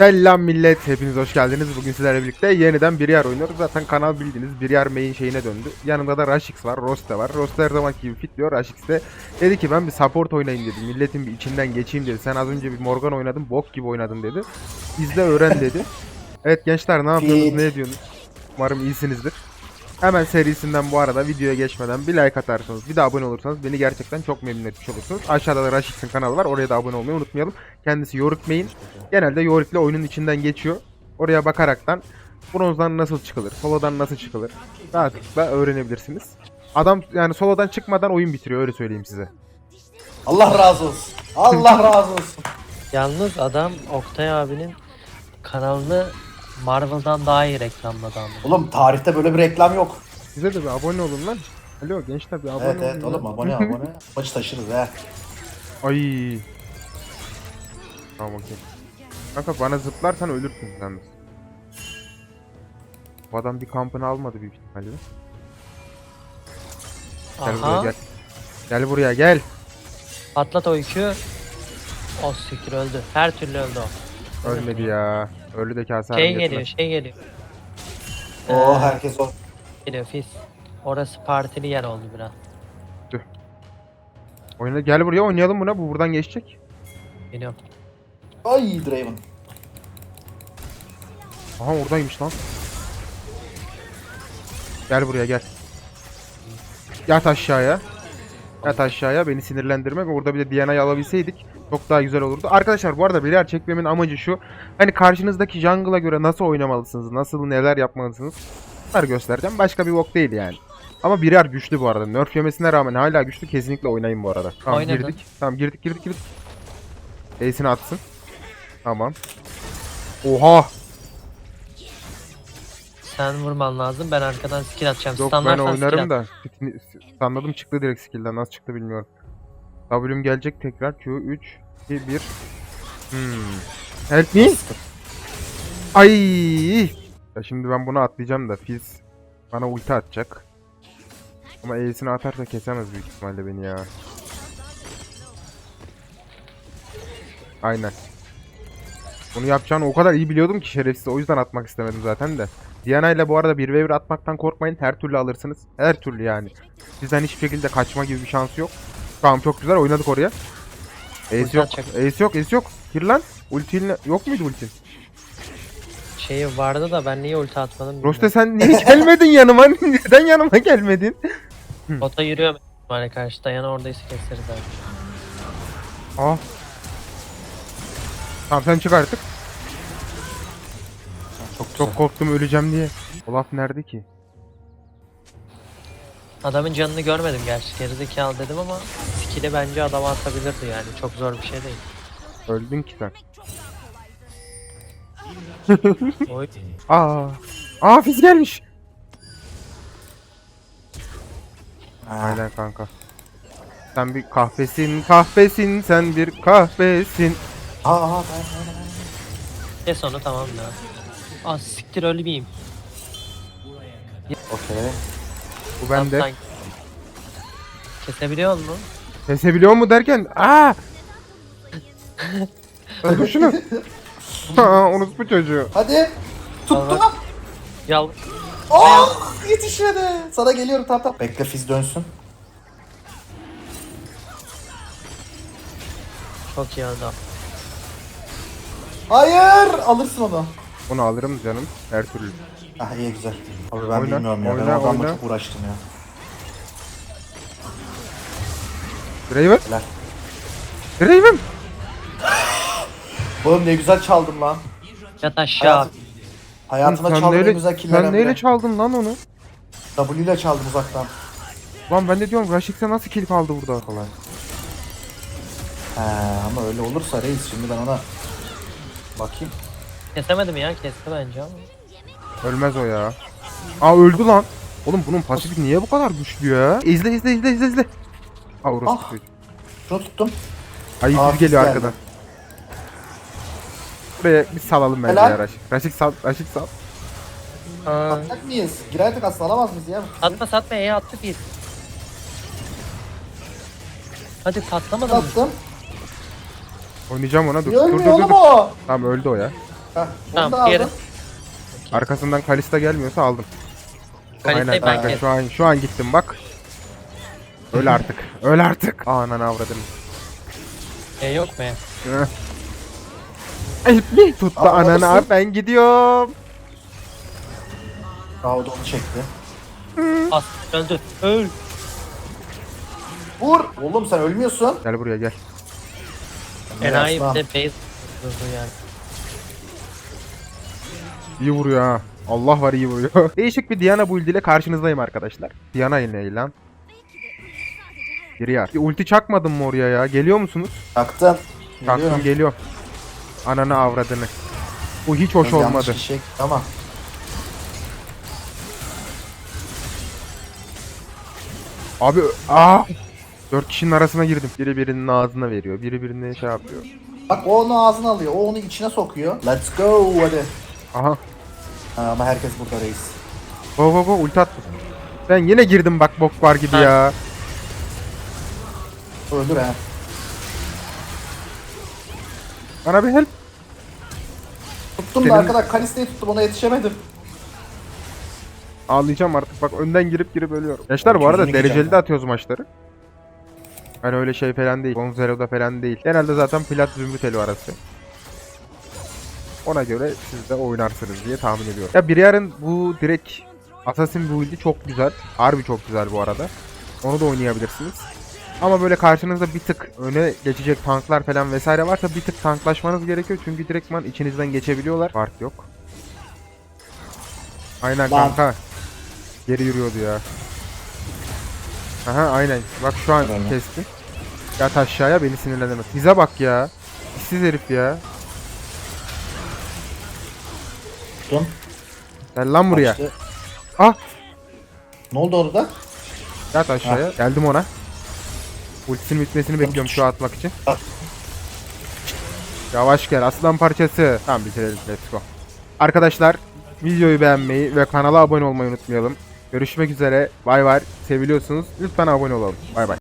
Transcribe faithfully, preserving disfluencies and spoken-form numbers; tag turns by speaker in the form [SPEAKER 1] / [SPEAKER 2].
[SPEAKER 1] Selam millet, hepiniz hoş geldiniz. Bugün sizlerle birlikte yeniden bir yer oynuyoruz. Zaten kanal bildiğiniz bir yer main şeyine döndü. Yanında da Rashix var, Roste var. Roste her zamanki gibi fit diyor. Rashix de dedi ki ben bir support oynayayım dedi. Milletin bir içinden geçeyim dedi. Sen az önce bir Morgan oynadın, bok gibi oynadın dedi. İzle öğren dedi. Evet gençler, ne yapıyorsunuz, ne ediyorsunuz? Umarım iyisinizdir. Hemen serisinden bu arada videoya geçmeden bir like atarsanız, bir de abone olursanız beni gerçekten çok memnun etmiş olursunuz. Aşağıda da Rashix'in kanalı var. Oraya da abone olmayı unutmayalım. Kendisi Yorick main. Genelde Yorick'le oyunun içinden geçiyor. Oraya bakaraktan bronzdan nasıl çıkılır, solodan nasıl çıkılır rahatlıkla öğrenebilirsiniz. Adam yani solodan çıkmadan oyun bitiriyor, öyle söyleyeyim size.
[SPEAKER 2] Allah razı olsun. Allah razı olsun.
[SPEAKER 3] Yalnız adam Oktay abinin kanalını Marvel'dan daha iyi reklamladı ama.
[SPEAKER 2] Oğlum tarihte böyle bir reklam yok.
[SPEAKER 1] Size de bir abone olun lan. Alo gençler, bir abone
[SPEAKER 2] Evet
[SPEAKER 1] olun.
[SPEAKER 2] evet oğlum
[SPEAKER 1] lan.
[SPEAKER 2] abone abone. Maçı taşırız he.
[SPEAKER 1] Ay. Tamam okey. Kanka bana zıplarsan ölürsün yalnız. Bu adam bir kampını almadı büyük ihtimalle. Gel buraya
[SPEAKER 3] Aha.
[SPEAKER 1] gel. Gel buraya gel.
[SPEAKER 3] Patlat o yükü. O siktir öldü. Her türlü öldü o.
[SPEAKER 1] Ölmedi ya. Ölü de kase
[SPEAKER 3] Şey
[SPEAKER 1] halim
[SPEAKER 3] geliyor,
[SPEAKER 1] getirmez.
[SPEAKER 3] şey geliyor.
[SPEAKER 2] Oo
[SPEAKER 3] Ee,
[SPEAKER 2] herkes o.
[SPEAKER 3] Geliyor Fizz. Orası partili yer oldu biraz.
[SPEAKER 1] Oyna, gel buraya oynayalım buna. Bu buradan geçecek.
[SPEAKER 3] Geliyor.
[SPEAKER 2] Ay Draven.
[SPEAKER 1] Aha oradaymış lan. Gel buraya gel. Yat aşağıya. Yat aşağıya, beni sinirlendirme. Ve orada bir de D N A'yı alabilseydik çok daha güzel olurdu. Arkadaşlar bu arada birer çekmemin amacı şu. Hani karşınızdaki jungle'a göre nasıl oynamalısınız, nasıl neler yapmalısınız bunları göstereceğim. Başka bir bok değil yani. Ama birer güçlü bu arada. Nerf yemesine rağmen hala güçlü, kesinlikle oynayın bu arada. Tamam
[SPEAKER 3] Oynadın.
[SPEAKER 1] girdik. Tamam girdik girdik girdik. Ace'ini atsın. Tamam. Oha!
[SPEAKER 3] Sen vurman lazım. Ben arkadan skill atacağım.
[SPEAKER 1] Yok ben
[SPEAKER 3] Standartsan
[SPEAKER 1] oynarım
[SPEAKER 3] skill at.
[SPEAKER 1] da. Sanladım çıktı direkt skill'den. Nasıl çıktı bilmiyorum. W'm gelecek tekrar. Q üç iki bir. Hmm. Help me. Ay! Ya şimdi ben bunu atlayacağım da Fizz bana ulti atacak. Ama E'sini atarsa kesemez büyük ihtimalle beni ya. Aynen. Bunu yapacağını o kadar iyi biliyordum ki şerefsiz, o yüzden atmak istemedim zaten de. Diana ile bu arada bir ve bir atmaktan korkmayın, her türlü alırsınız. Her türlü yani. Sizden hiçbir şekilde kaçma gibi bir şansı yok. Tamam çok güzel oynadık oraya. Ace
[SPEAKER 3] Ulti
[SPEAKER 1] yok,
[SPEAKER 3] atacak.
[SPEAKER 1] Ace yok, Ace yok. Gir lan. Ultin yok muydu ultin?
[SPEAKER 3] Şeyi vardı da ben niye ulti atmadım bilmiyorum.
[SPEAKER 1] Roste sen niye gelmedin yanıma? Neden yanıma gelmedin?
[SPEAKER 3] Bota yürüyor böyle karşı. Dayan oradaysa keseriz abi.
[SPEAKER 1] Ah. Tamam sen çık artık.
[SPEAKER 2] Çok güzel.
[SPEAKER 1] Çok korktum öleceğim diye. Olaf nerede ki?
[SPEAKER 3] Adamın canını görmedim gerçi. Gerizekalı dedim ama skill'i bence adama atabilirdi yani. Çok zor bir şey değil.
[SPEAKER 1] Öldün ki sen.
[SPEAKER 3] Oy.
[SPEAKER 1] Aa. Aa Fizz gelmiş.
[SPEAKER 2] Ha.
[SPEAKER 1] Aynen kanka. Sen bir kahpesin, kahpesin, sen bir kahpesin.
[SPEAKER 2] Aa, aa, aa, aa.
[SPEAKER 3] Kes onu tamam da. Ah siktir ölmeyeyim.
[SPEAKER 2] Okey.
[SPEAKER 1] Bu bende.
[SPEAKER 3] Kaptan. Kesebiliyor musun?
[SPEAKER 1] Kesebiliyor mu derken? Aa! Öldür şunu. Aa, unutma çocuğu.
[SPEAKER 2] Hadi. Tuttum.
[SPEAKER 3] Allah. Yal.
[SPEAKER 2] Oh yetişmedi. Sana geliyorum tamam tamam. Bekle Fizz dönsün.
[SPEAKER 3] Çok iyi adam.
[SPEAKER 2] Hayır. Alırsın onu.
[SPEAKER 1] Onu alırım canım, her türlü.
[SPEAKER 2] Ah iyi güzel. Abi ben
[SPEAKER 1] Oyna,
[SPEAKER 2] bilmiyorum ya.
[SPEAKER 1] oyna,
[SPEAKER 2] ben o adamla
[SPEAKER 1] oyna.
[SPEAKER 2] çok uğraştım ya.
[SPEAKER 1] Draven?
[SPEAKER 2] Helal.
[SPEAKER 1] Draven!
[SPEAKER 2] Oğlum ne güzel çaldım lan.
[SPEAKER 3] Yat aşağı.
[SPEAKER 2] Hayat, hayatımda
[SPEAKER 1] Sen
[SPEAKER 2] çaldığım en
[SPEAKER 1] neyle,
[SPEAKER 2] güzel killerden
[SPEAKER 1] sen neyle
[SPEAKER 2] biri.
[SPEAKER 1] çaldın lan onu?
[SPEAKER 2] W ile çaldım uzaktan.
[SPEAKER 1] Lan ben de diyorum Rashix'e nasıl kill kaldı burada falan.
[SPEAKER 2] He ama öyle olursa reis şimdi ben ona bakayım.
[SPEAKER 3] Kesemedim ya. Kesti bence ama.
[SPEAKER 1] Ölmez o ya. Aa öldü lan. Oğlum bunun pasifi niye bu kadar güçlü ya? İzle izle izle izle izle. Aa orası
[SPEAKER 2] Ah.
[SPEAKER 1] çocuğu.
[SPEAKER 2] Şunu tuttum.
[SPEAKER 1] Ay
[SPEAKER 2] Aa,
[SPEAKER 1] Fizz geliyor
[SPEAKER 2] Fizz
[SPEAKER 1] arkadan. Buraya bir salalım bence
[SPEAKER 2] Helal.
[SPEAKER 1] ya Rashix. Rashix sal, Rashix sal.
[SPEAKER 3] Aa.
[SPEAKER 2] Atacak mıyız? Girerdik aslında alamaz mıyız ya?
[SPEAKER 3] Satma satma E'ye attı bir. Hadi patlamadı mı?
[SPEAKER 2] Attım.
[SPEAKER 1] Oynayacağım ona, dur.
[SPEAKER 2] Niye
[SPEAKER 1] Dur dur
[SPEAKER 2] ölmüyor
[SPEAKER 1] dur.
[SPEAKER 2] oğlum
[SPEAKER 1] dur.
[SPEAKER 2] o?
[SPEAKER 1] Tamam öldü o ya.
[SPEAKER 2] Heh, onu
[SPEAKER 3] Tamam,
[SPEAKER 2] da
[SPEAKER 3] diğeri-
[SPEAKER 2] aldım.
[SPEAKER 1] Arkasından Kalista gelmiyorsa aldım. Aynen
[SPEAKER 3] Kaliteyi ben
[SPEAKER 1] kanka
[SPEAKER 3] kestim.
[SPEAKER 1] şu an şu an gittim bak. Öl artık. Öl artık. Aa ananı avradım.
[SPEAKER 3] E yok mu?
[SPEAKER 1] Ay bir tuttu
[SPEAKER 2] Aa,
[SPEAKER 1] ananı
[SPEAKER 2] nasıl?
[SPEAKER 1] abi ben gidiyorum.
[SPEAKER 2] Aa, o da onu çekti.
[SPEAKER 3] As öldü. Öl.
[SPEAKER 2] Vur. Oğlum sen ölmüyorsun.
[SPEAKER 1] Gel buraya gel.
[SPEAKER 3] Enayi bir
[SPEAKER 2] Aslan.
[SPEAKER 3] de base vurdu yani.
[SPEAKER 1] İyi vuruyor ha. Allah var iyi vuruyor. Değişik bir Diana build ile karşınızdayım arkadaşlar. Diana ne lan? Biri yar. Bir ulti çakmadın mı oraya ya? Geliyor musunuz?
[SPEAKER 2] Taktın.
[SPEAKER 1] Çaktım
[SPEAKER 2] Geliyorum.
[SPEAKER 1] geliyor. Ananı avradını. Bu hiç hoş
[SPEAKER 2] Yanlış
[SPEAKER 1] olmadı.
[SPEAKER 2] kişiye- Tamam.
[SPEAKER 1] Abi aa! Dört kişinin arasına girdim. Biri birinin ağzına veriyor. Biri birine şey yapıyor.
[SPEAKER 2] Bak o onu ağzına alıyor. O onu içine sokuyor. Let's go hadi.
[SPEAKER 1] Aha.
[SPEAKER 2] Ha, ama herkes burada reis.
[SPEAKER 1] Go go go ulti attım. Ben yine girdim bak bok var gibi
[SPEAKER 3] Ha.
[SPEAKER 1] ya.
[SPEAKER 2] Öldür ha.
[SPEAKER 1] Bana bir help.
[SPEAKER 2] Tuttum
[SPEAKER 1] Senin-
[SPEAKER 2] da arkadaş Kalista'yı tuttum ona yetişemedim.
[SPEAKER 1] Ağlayacağım artık bak önden girip girip ölüyorum. Gençler bu arada
[SPEAKER 2] Çözümünü
[SPEAKER 1] dereceli
[SPEAKER 2] geçeceğim
[SPEAKER 1] de atıyoruz maçları. Hani öyle şey falan değil. Gonzalo'da falan değil. Genelde zaten plat zümrüt elo arası. Ona göre siz de oynarsınız diye tahmin ediyorum. Ya Briar'ın bu direkt Assassin build'i çok güzel. Harbi çok güzel bu arada. Onu da oynayabilirsiniz. Ama böyle karşınızda bir tık öne geçecek tanklar falan vesaire varsa bir tık tanklaşmanız gerekiyor. Çünkü direktman içinizden geçebiliyorlar. Fark yok. Aynen
[SPEAKER 2] Lan.
[SPEAKER 1] kanka. Geri yürüyordu ya. Aha aynen. Bak şu an
[SPEAKER 2] Bravo.
[SPEAKER 1] kesti. Yat aşağıya beni sinirlendirmez. Bize bak ya. İşsiz herif ya.
[SPEAKER 2] Tuttum.
[SPEAKER 1] Gel lan buraya.
[SPEAKER 2] Kaçtı.
[SPEAKER 1] Ah.
[SPEAKER 2] Ne oldu orada?
[SPEAKER 1] Yat aşağıya. Geldim ona. Ultisinin bitmesini bekliyorum şu atmak için.
[SPEAKER 2] Ah.
[SPEAKER 1] Yavaş gel aslan parçası. Tamam bitirelim. Let's go. Arkadaşlar videoyu beğenmeyi ve kanala abone olmayı unutmayalım. Görüşmek üzere. Bay bay. Seviliyorsunuz. Lütfen abone olalım. Bay bay.